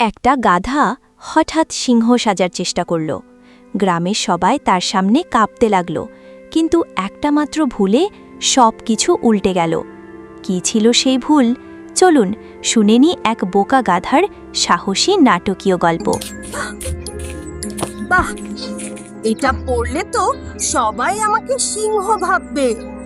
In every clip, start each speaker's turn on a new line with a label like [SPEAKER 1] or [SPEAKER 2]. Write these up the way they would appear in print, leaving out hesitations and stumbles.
[SPEAKER 1] একটা গাধা হঠাৎ সিংহ সাজার চেষ্টা করল। গ্রামের সবাই তার সামনে কাঁপতে লাগল, কিন্তু একটা মাত্র ভুলে সব কিছু উল্টে গেল। কি ছিল সেই ভুল? চলুন শুনে নি এক বোকা গাধার সাহসী নাটকীয় গল্প।
[SPEAKER 2] বাহ, এটা পড়লে তো সবাই আমাকে সিংহ ভাববে।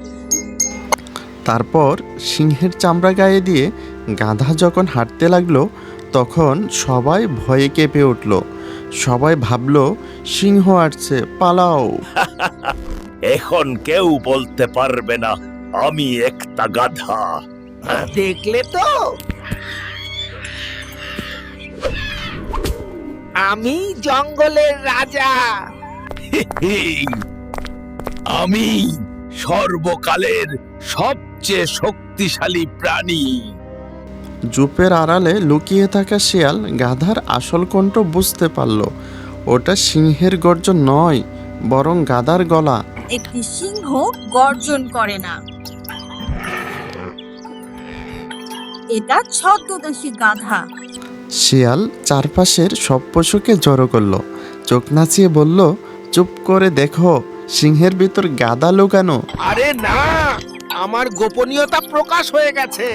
[SPEAKER 3] তারপর সিংহের চামড়া গায়ে দিয়ে গাধা যখন হাঁটতে লাগলো, তখন সবাই ভয়ে কেঁপে উঠল। সবাই ভাবল, সিংহ আসছে, পালাও।
[SPEAKER 4] এখন কেউ বলতে পারবে না আমি একটা গাধা।
[SPEAKER 5] দেখলে তো, আমি জঙ্গলের রাজা।
[SPEAKER 4] আমি সর্বকালের সবচেয়ে শক্তিশালী প্রাণী।
[SPEAKER 3] জুপের আড়ালে লুকিয়ে থাকা শিয়াল গাধার আসল কণ্ঠ বুঝতে পারল। ওটা সিংহের গর্জন নয়, বরং গাধার গলা।
[SPEAKER 2] একটি সিংহ গর্জন করে না, এটা ছদ্মবেশী গাধা।
[SPEAKER 3] শিয়াল চারপাশের সব পশুকে জড়ো করলো, চোখ নাচিয়ে বলল, চুপ করে দেখো, সিংহের ভিতর গাধা লুকানো।
[SPEAKER 5] আরে না, আমার গোপনীয়তা প্রকাশ হয়ে গেছে।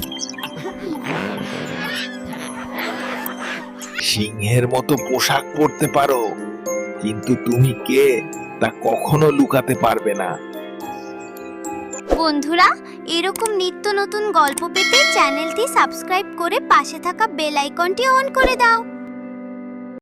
[SPEAKER 4] সিংহের মতো পোশাক পরতে পারো, কিন্তু তুমি কে তা কখনো লুকাতে পারবে না।
[SPEAKER 6] বন্ধুরা, এরকম নিত্য নতুন গল্প পেতে চ্যানেলটি সাবস্ক্রাইব করে পাশে থাকা বেল আইকনটি অন করে দাও।